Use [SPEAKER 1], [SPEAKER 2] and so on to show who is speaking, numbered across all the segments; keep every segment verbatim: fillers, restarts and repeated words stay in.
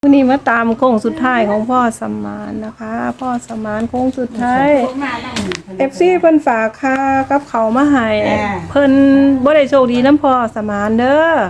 [SPEAKER 1] วันนี้มาตามโค้งสุดท้ายของพ่อสมานนะคะพ่อสมานโค้งสุดท้ายเอฟซีเพิ่นฝากค่ากับเขามาให้เพิ่นบ่ได้โชคดีน้ำพ่อสมานเด้อ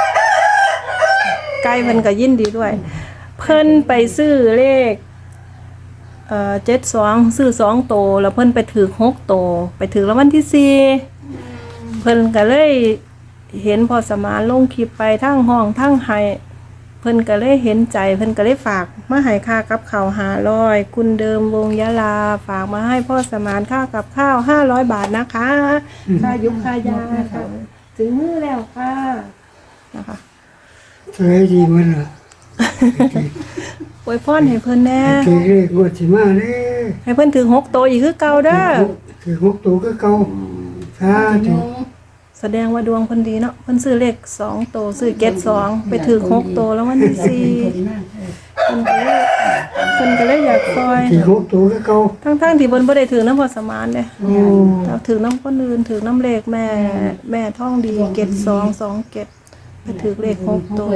[SPEAKER 1] ไกลเพิ่นก็ยินดีด้วยเพิ่นไปซื้อเลขเอ่อเจ็ดสองซื้อสองโตแล้วเพิ่นไปถือหกโตไปถือรางวัลที่สี่เพิ่นก็เลยเห็นพ่อสมานลงคลิปไปทั้งห้องทั้งไห้เพิ่นก็เลยเห็นใจเพิ่นก็เลยฝากมาให้ค่ากับข้าวห้าร้อยคุณเดิมวงยะลาฝากมาให้พ่อสมานค่ากับข้าวห้าร้อยบาทนะคะค่ายุคค่ายาค่ะถึงมือแล้วค่ะนะคะ
[SPEAKER 2] สวยดีมันล่ะ
[SPEAKER 1] อวยพรให้เพิ่นแน่
[SPEAKER 2] ถือเลขงวดสิมาเด้
[SPEAKER 1] ให้เพิ่นถึงหกโตอีกคือเก่าเด้อ
[SPEAKER 2] ถือหกตัวก็เก่าสาธุ
[SPEAKER 1] แสดงว่าดวงเพิ่นดีเนาะเพิ่นซื้อเลขสองโตซื้อเจ็ดสองไปถือหกโตแล้ววันที่สี่เพิ่นก็เลยเพิ่นก็เลยอยากซอย
[SPEAKER 2] ถือหกตัวก็เก่า
[SPEAKER 1] ทั้งๆที่เพิ่นบ่ได้ถือน้ำพอสมานเด้แต่ถือน้ำคนอื่นถือน้ำเลขแม่แม่ท่องดีเจ็ดสองสองเจ็ดไปถือเลขหกโต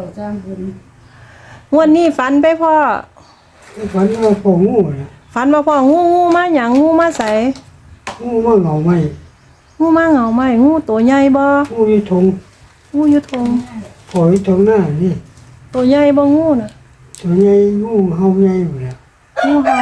[SPEAKER 1] งวดนี้ฝันไปพ่อ
[SPEAKER 2] ฝันว่าพ่องูน่ะ
[SPEAKER 1] ฝันว่าพ่องูงูมาหยังงูมาใส
[SPEAKER 2] งูมาเหงาไหม
[SPEAKER 1] งูมาเหงาไหมงูตัวใหญ่บ่
[SPEAKER 2] งูอยู่ทง
[SPEAKER 1] งูอยู่ทง
[SPEAKER 2] พ่ออยู่ทงหน้านี่
[SPEAKER 1] ตัวใหญ่บ่งูน่ะ
[SPEAKER 2] ตัวใหญ่งูเห่าใหญ่หมดแล้ว
[SPEAKER 1] งูเห่า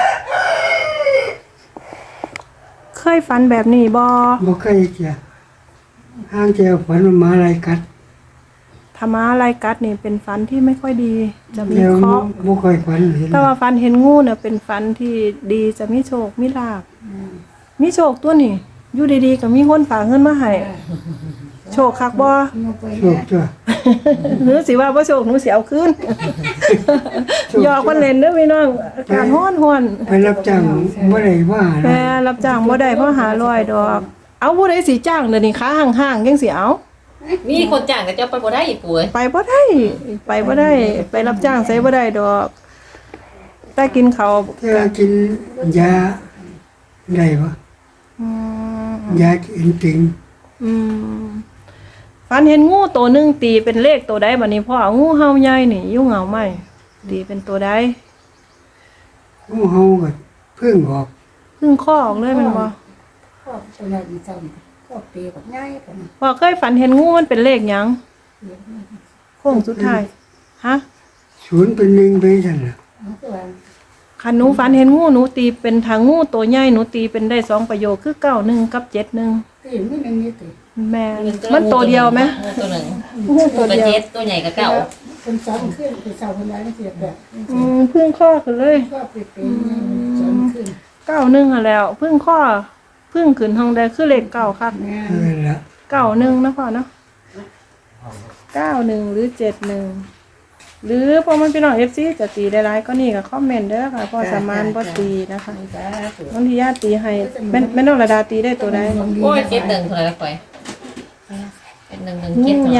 [SPEAKER 1] เคยฝันแบบนี้บ่
[SPEAKER 2] บ่เคยจ้ะห้างเจ้าฝันว่าหมาอะไรกัด
[SPEAKER 1] ถ้าม้าลายกัดนี่เป็นฝันที่ไม่ค่อยดีจะมีเคราะห์
[SPEAKER 2] บ่ค่อยฝันเห็น
[SPEAKER 1] แต่ว่าฝันเห็นงูเนี่ยเป็นฝันที่ดีจะมีโชคมีลาภมีโชคตัวนี่อยู่ดีๆก็มีคนฝากเงินมาให้โชคคักบ่
[SPEAKER 2] โชคจ้ะ
[SPEAKER 1] หรือสิว่าบ่โชคหนูสิเอาคืนหยอกคนเล่นเด้อพี่น้องอากาศร้อน
[SPEAKER 2] ๆไปรับจ้างบ่ได้ว่า
[SPEAKER 1] แม่รับจ้างบ่ได้เพราะหาร้อยดอกเอาผู้ใดสิจ้างเดี๋ยวนี้ค้าห่างๆจังสิเอา
[SPEAKER 3] มีคนจ้างแต่เจ้าไปบ่ได้อีกป่วย
[SPEAKER 1] ไปบ่ได้ไปบ่ได้ไปรับจ้างใส่บ่ได้ดอกแต่กินเขา
[SPEAKER 2] ถ้ากินยาได้บ่
[SPEAKER 1] อืม
[SPEAKER 2] ยากินติง
[SPEAKER 1] อืมฝันเห็นงูตัวนึงตีเป็นเลขตัวใดบัดนี้พ่องูเห่าใหญ่นี่อยู่เหงาไหมตีเป็นตัวใด
[SPEAKER 2] งูเห่าก็เพิ่งออก
[SPEAKER 1] เพิ่งข้อออกเลยมันบ่
[SPEAKER 4] ข้อตัวใหญ่ดีจังข้อตีแบบง่ายกว่า
[SPEAKER 1] พ่อเคยฝันเห็นงูมันเป็นเลขหยังโค้งสุดท้ายฮะ
[SPEAKER 2] ศูนย์เป็นหนึ่งไปซั่นน่ะ
[SPEAKER 1] คันหนูฝันเห็นงูหนูตีเป็นทางงูตัวใหญ่หนูตีเป็นได้สองประโยคคือเก้าหนึ่งกับเจ็ดหนึ่ง
[SPEAKER 4] ตีมีหนึ่งนี่ตี
[SPEAKER 1] แม่มันตัวเดียวไหม
[SPEAKER 3] ตัวหนึ่ง
[SPEAKER 1] งูตัวเดียว
[SPEAKER 3] เจ็ดตัวใหญ่กับเก่า
[SPEAKER 4] คนซ้อนขึ้นคือเสาคนร้ายเสียแบบ
[SPEAKER 1] อืมพึ่งข้อขึ้นเลย
[SPEAKER 4] ก็เปลี่ยนซ้อนขึ้น
[SPEAKER 1] เก้าหนึ่งอ่ะแล้วพึ่งข้อพึ่งขึ้นห้องใดคือเลขเก้าครับเก้าหนึ่งนะพ่อเนาะเก้าหนึ่งหรือเจ็ดหนึ่งหรือพอมันพี่น้องเอฟซีจะตีได้ไรก็นี่กับคอมเมนต์เด้อค่ะพ่อสมานบ่ตีนะคะน้องที่ญาติตีให้แม่แม่น้องระดาตีได้ตัวใด
[SPEAKER 3] โอ้ยเจ็ดหนึ่งเท่าไรค่อยเป็นหนึ่งหนึ่งเจ็ด
[SPEAKER 1] ใหญ่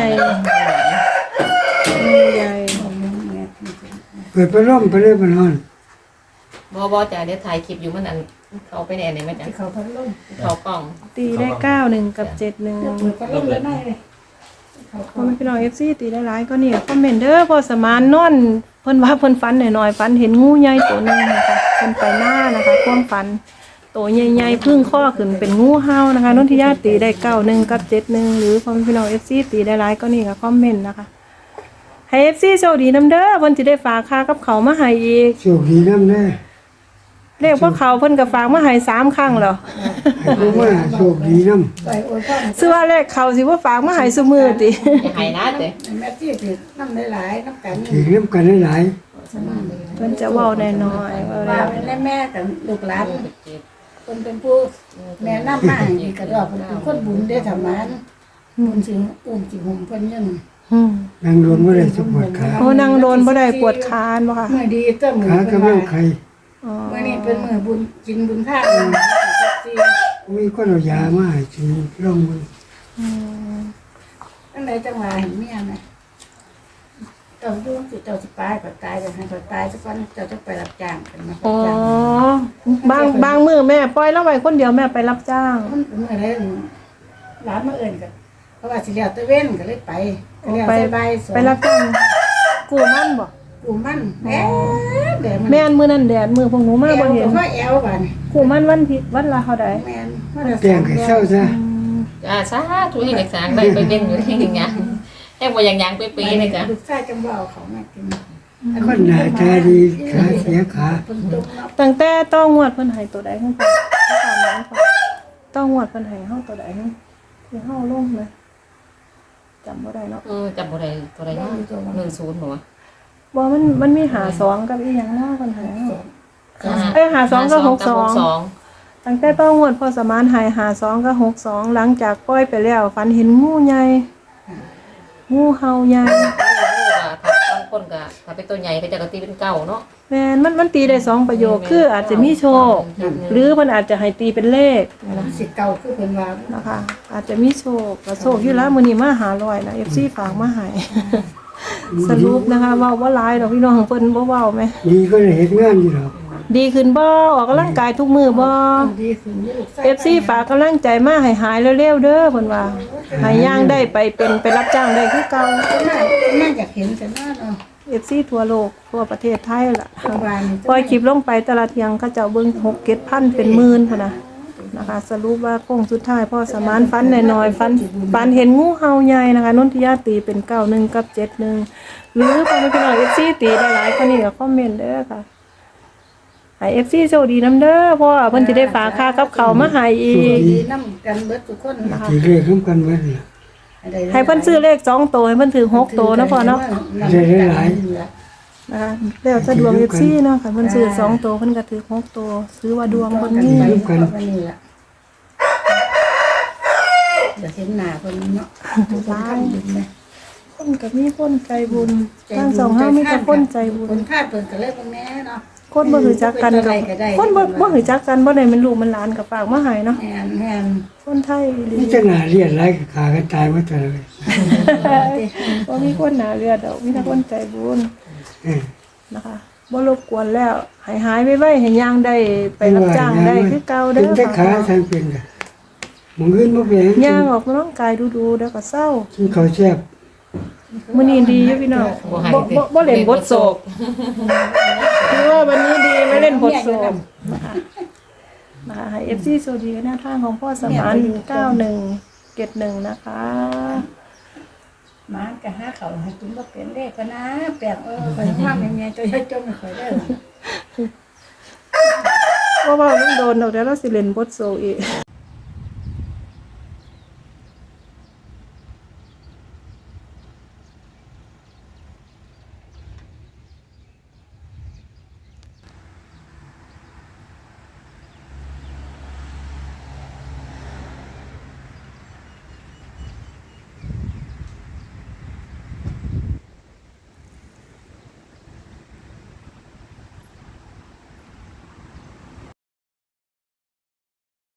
[SPEAKER 1] ใหญ่
[SPEAKER 2] เปิดพัดลมไปเลยมันร้อน
[SPEAKER 3] บ่บ่จ้ะเดี๋ยวถ่ายคลิปอยู่มันอันเขาไปแน่ไหนไหมจ้ะ
[SPEAKER 4] เขาพัดลม
[SPEAKER 3] เขากล่อง
[SPEAKER 1] ตีได้เก้าหนึ่งกับเจ็ดหนึ่ง
[SPEAKER 4] เปิดพัดลมแล้วได้
[SPEAKER 1] พอมันพี่น้องเอฟซีตีได้หลายก็นี่คอมเมนต์เด้อพอสมานนอนเพิ่นว่าเพิ่นฝันหน่อยๆฝันเห็นงูใหญ่ตัวนึงนะคะเพิ่นไปหน้านะคะความฝันตัวใหญ่ๆพึ่งข้อขึ้นเป็นงูเห่านะคะนนทิยาตีได้เก้าหนึ่งกับเจ็ดหนึ่งหรือพอมันพี่น้องเอฟซีตีได้หลายก็นี่ค่ะคอมเมนต์นะคะให้เอฟซีโชคดีนำเด้อเพิ่นสิได้ฝากค่ากับเขามาให้อีก
[SPEAKER 2] โชคดีนำเด้อ
[SPEAKER 1] เรียกว่าเขาเพิ่นก็ฝากมาให้สามครั้งแล้ว
[SPEAKER 2] ให้ผู้ว่าโชคดีนำ
[SPEAKER 1] ซื้อว่าเลขเขาสิว่าฝากมาให้ซุมื้อติ
[SPEAKER 3] ให้นะเด้
[SPEAKER 4] แม่ที่ถือน้ำหลายๆน้ำกัน
[SPEAKER 2] ถือน้ำกันหลาย
[SPEAKER 1] ๆเพิ่นจะเว้าน้อยๆว่าแล้ว
[SPEAKER 4] แม่กับลูกหลานคนเป็นผู้แม่น้ำมาอีกกระดอกเป็นคนบุญได้ทำมันบุญสิอุ้มสิหุ่มเพิ่นยัง
[SPEAKER 2] นั่งโดนบ่ได้ปวดขา
[SPEAKER 1] โอ้นั่งโดนบ่ได้ปวดขาบ่ค่ะ
[SPEAKER 4] มื้อดีเจ้ามื้อ
[SPEAKER 2] ขากำลังไข้
[SPEAKER 4] มื้อนี้เป็นมื้อบุญกินบุญทาน
[SPEAKER 2] มีคนเอายามาให้กินลองมื้อ
[SPEAKER 1] อืม
[SPEAKER 4] จังได๋จังว่าเห็นเมียมั้ยเจ้าอยู่สิเจ้าสิตายก็ตายก็ให้ก็ตายซะก่อนเจ้าจะไปรับจ้างกันมา
[SPEAKER 1] อ๋อบางบางมื้อแม่ปล่อยเราไว้คนเดียวแม่ไปรับจ้าง
[SPEAKER 4] มันเป็นมื้อใดหลานมาเอิ้นก็เพราะว่าสิแล้วตะเว้นก็เลยไปก็แล้วใส่ใบ
[SPEAKER 1] ไปรับจ้างกู้มันบ่
[SPEAKER 4] กูมันแม่เดี๋ยวมัน
[SPEAKER 1] แม่นมื้อนั้นแดดมื้อพวกหนูมาบ่เห็น
[SPEAKER 4] พ่อแอลบัดนี้
[SPEAKER 1] กูมันวันที่วันละเท่าใด
[SPEAKER 4] แม่นว่าจะ
[SPEAKER 2] แจ้งให้เศร้าซะ
[SPEAKER 3] จ้าสาธุให้เด็กสางได้ไปเบ่งอยู่ที่อย่างเงี้ยแอบว่าอย่างยังเป๊ะๆเลยจ้ะ
[SPEAKER 4] ลูกชายจังบ่เอาเขามากิน
[SPEAKER 2] คนหน้าตาดีขาเสียขา
[SPEAKER 4] เพิ่นตกเนาะ
[SPEAKER 1] ตั้งแต่ต้องงวดเพิ่นให้ตัวใดเพิ่นไปตามนั้นก่อนต้องงวดเพิ่นให้เฮาตัวใดเนาะที่เฮาลงนะจำบ่ได้เนาะ
[SPEAKER 3] เออจำบ่ได้ตัวใดเนาะหนึ่งศูนย์หนู
[SPEAKER 1] บ่มันมันมีหาสองกับอีหยังเนาะเพิ่นให้เฮา
[SPEAKER 3] อ่า
[SPEAKER 1] เอ้ยหาสองกับหกสอง
[SPEAKER 3] สอง
[SPEAKER 1] ตั้งแต่ต้องงวดพอสมานให้หาสองกับหกสองหลังจากปล่อยไปแล้วฝันเห็นงูใหญ่งูเห่าใหญ่
[SPEAKER 3] บางคนก็ถ้าเป็นตัวใหญ่ก็จะกตีเป็นเก้าเนาะ
[SPEAKER 1] แม่นมันมันตีได้สองประโยคคืออาจจะมีโชค หรือมันอาจจะให้ตีเป็นเลข
[SPEAKER 4] สิเก่าคือเพิ่นว่า
[SPEAKER 1] นะคะ อาจจะมีโชคก็โชคอยู่แล้วมื้อนี้มาหาร้อยนะ เอฟ ซี ฝากมาให้ สรุปนะคะเว้าบ่หลายดอกพี่น้องเพิ่นบ่เว้าแม่
[SPEAKER 2] ดีก็ได้เฮ็ดงานอยู่ดอก
[SPEAKER 1] ดีขึ้นบ่ออกกำลังกายทุกมื้อบ่
[SPEAKER 4] ดีขึ้นอยู่ลูกชาย
[SPEAKER 1] เอฟ ซี ฝากกำลังใจมาให้หายเร็วๆเด้อเพิ่นว่าให้ย่างได้ไปเป็นไปรับจ้างได้คือเก่า
[SPEAKER 4] น่าน่าอยากเห็นแต่ว่าเนาะ
[SPEAKER 1] เอฟ ซี ทั่วโลกทั่วประเทศไทยล่ะ
[SPEAKER 4] เมื่อวานนี้
[SPEAKER 1] ปล่อยคลิปลงไปแต่ละเที่ยงเขาเจ้าเบิ่งหก เจ็ดพันเป็นหมื่นพุ่นน่ะนะคะ สรุปว่าโค้งสุดท้ายพ่อสมานฟันน้อยๆฟันฟันเห็นงูเห่าใหญ่นะคะนนทิยาตีเป็นเก้าหนึ่งกับเจ็ดหนึ่งหรือพ่อแม่พี่น้อง เอฟ ซี ตีได้หลายกว่านี้ก็คอมเมนต์เด้อค่ะให้ เอฟ ซี โชคดีนำเด้อเพราะว่าเพิ่นสิได้ฝากค่ากับเขาวมาให้อีก
[SPEAKER 4] ดีนำกันเบิดทุกคน
[SPEAKER 2] ทีเรียกร่วมกันไว้น่ะ
[SPEAKER 1] ให้เพิ่นซื้อเลขสองตัวให้เพิ่นถือหกตัวนะพ่อเนาะ นะคะแล้วจะดวง เอฟ ซี เนาะค่ะเพิ่นซื้อสองตัวเพิ่นก็ถือหกตัวซื้อว่าดวงเพิ่นมี
[SPEAKER 2] ร่วมกัน
[SPEAKER 4] นี่ล่ะเดี๋ยวเห็นหน้าเพิ่นเนาะทุกคนทำบุญนะ
[SPEAKER 1] คนก็มีคนใจบุญทางสองเฮามีแต่คนใจบุญ
[SPEAKER 4] คนคาดเพิ่นก็เลยบ่แม่เนาะ
[SPEAKER 1] คนบ่รู้จักกันกับคนบ่บ่รู้จักกันบ่ได้เป็นลูกมันหลานก็ฝากมาให้เนาะ
[SPEAKER 4] แม่นแม่น
[SPEAKER 1] คนไทยอีหลี
[SPEAKER 2] นี่จะหน้าเรียนหลายขากันตายหมดแต่เลย
[SPEAKER 1] บ่มีคนหน้าเลือดดอกมีแต่คนใจบุญ
[SPEAKER 2] เออ
[SPEAKER 1] นะคะบ่รบกวนแล้วให้หายไวๆให้ย่างได้ไปรับจ้างได้คือเก่าเด้
[SPEAKER 2] เป็นแต่
[SPEAKER 1] อ
[SPEAKER 2] ขา
[SPEAKER 1] ค่ะ
[SPEAKER 2] ทางเป็นกันมึงขึ้นบ่เป็น
[SPEAKER 1] ย่างออกกำลังกายดูๆเดี๋ยวก็เศร้า
[SPEAKER 2] กินข้าวแซ่บ
[SPEAKER 1] มื้อนี้ดีอยู่พี่น้องบ่บ่บ่เล่นบทโศกคือว่าวันนี้ดีไม่เล่นบทโศกนะคะนะคะให้ เอฟ ซี โซดีหน้าทางของพ่อสมานเก้าหนึ่งเจ็ดหนึ่งนะคะ
[SPEAKER 4] หมาก็หาเขาให้กินบ่เป็นเลขก็นะแปลกเออข่อยว่าแม่ๆตัวใหญ่จมข่อยเด้อ
[SPEAKER 1] เพราะว่ามันโดนดอกเดี๋ยวเราสิเล่นบทโศกอีก